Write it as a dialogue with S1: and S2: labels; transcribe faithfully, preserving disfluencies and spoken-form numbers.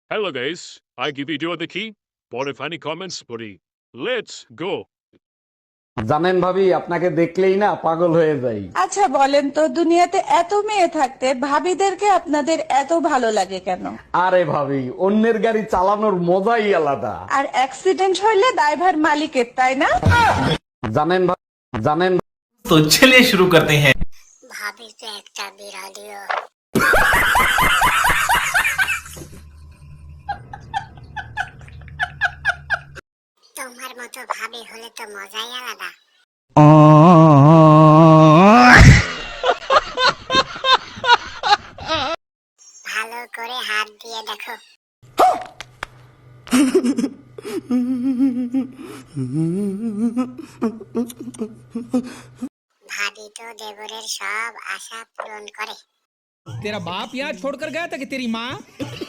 S1: Hello guys, I give video the key. Bought funny comments, buddy. Let's go.
S2: জানেন ভাবি, আপনাকে দেখলেই না পাগল হয়ে যাই।
S3: আচ্ছা বলেন তো, দুনিয়াতে এত মেয়ে থাকতে ভাবিদেরকে আপনাদের এত ভালো লাগে কেন?
S2: আরে ভাবি, অন্যের গাড়ি চালানোর মজাই আলাদা।
S3: আর অ্যাক্সিডেন্ট হইলে দায়ভার মালিকের, তাই না?
S2: জানেন ভা- জানেন
S4: तो चलिए शुरू करते हैं।
S5: ভাবি তো একটা বিড়ালিও। তোমার মতো ভাবি হলে তো মজাই আলাদা। ভালো করে হাত দিয়ে দেখো। ভাবি তো দেবরের সব আশা পূরণ করে।
S6: तेरा बाप यहाँ छोड़कर गया था कि तेरी माँ?